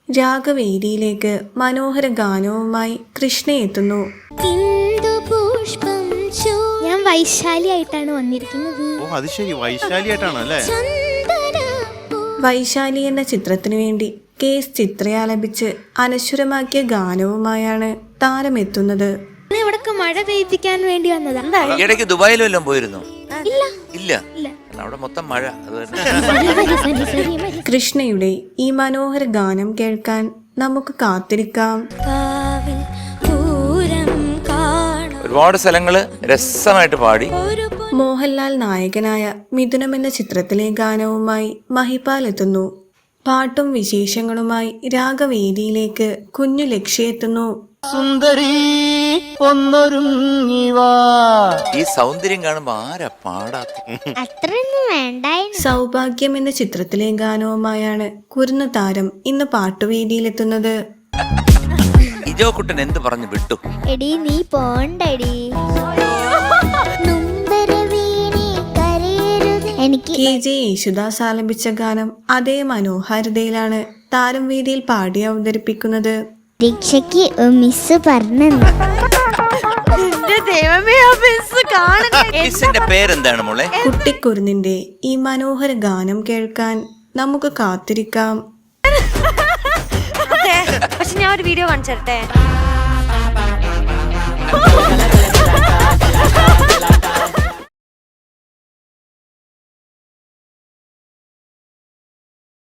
രാഗവേദിയിലേക്ക് മനോഹര ഗാനവുമായി കൃഷ്ണ എത്തുന്നു. ഞാൻ വൈശാലി ആയിട്ടാണ് വന്നിരിക്കുന്നത്. വൈശാലി എന്ന ചിത്രത്തിനു വേണ്ടി കേസ് ചിത്രയാലപിച്ച് അനശ്വരമാക്കിയ ഗാനവുമായാണ് താരമെത്തുന്നത്. ഇവിടൊക്കെ മഴ പെയ്യിപ്പിക്കാൻ വേണ്ടി വന്നതാ. ഇടയ്ക്ക് ദുബായിൽ വല്ലതും പോയിരുന്നു? ഇല്ല. അവിടെ മൊത്തം മഴ. കൃഷ്ണയുടെ ഈ മനോഹര ഗാനം കേൾക്കാൻ നമുക്ക് കാത്തിരിക്കാം. ഒരുപാട് സ്ഥലങ്ങള് രസമായിട്ട് പാടി. മോഹൻലാൽ നായകനായ മിഥുനം എന്ന ചിത്രത്തിലെ ഗാനവുമായി മഹിപാൽ എത്തുന്നു. പാട്ടും വിശേഷങ്ങളുമായി രാഗവേദിയിലേക്ക് കുഞ്ഞു ലക്ഷ്യ എത്തുന്നു. സുന്ദരി ഒന്നൊരുങ്ങിവാ. ഈ സൗന്ദര്യം കാണുമ്പോ ആരാ പാടാത്ത? അത്രയൊന്നും വേണ്ടായിരുന്നു. സൗഭാഗ്യം എന്ന ചിത്രത്തിലെ ഗാനവുമായാണ് കുരുന്ന താരം ഇന്ന് പാട്ടുവേദിയിലെത്തുന്നത്. ഇജോ കുട്ടൻ എന്ത് പറഞ്ഞു വിട്ടു? എടി നീ പോണ്ടടി. എനിക്ക് KJ യേശുദാസ് ആലപിച്ച ഗാനം അതേ മനോഹാരിതയിലാണ് താരം വേദിയിൽ പാടി അവതരിപ്പിക്കുന്നത്. പരീക്ഷയ്ക്ക് മിസ് പറഞ്ഞു. പേരെന്താണ് മോളെ? കുട്ടിക്കുരുന്നിന്റെ ഈ മനോഹര ഗാനം കേൾക്കാൻ നമുക്ക് കാത്തിരിക്കാം. പക്ഷെ ഞാൻ ഒരു വീഡിയോ കാണിച്ചേ.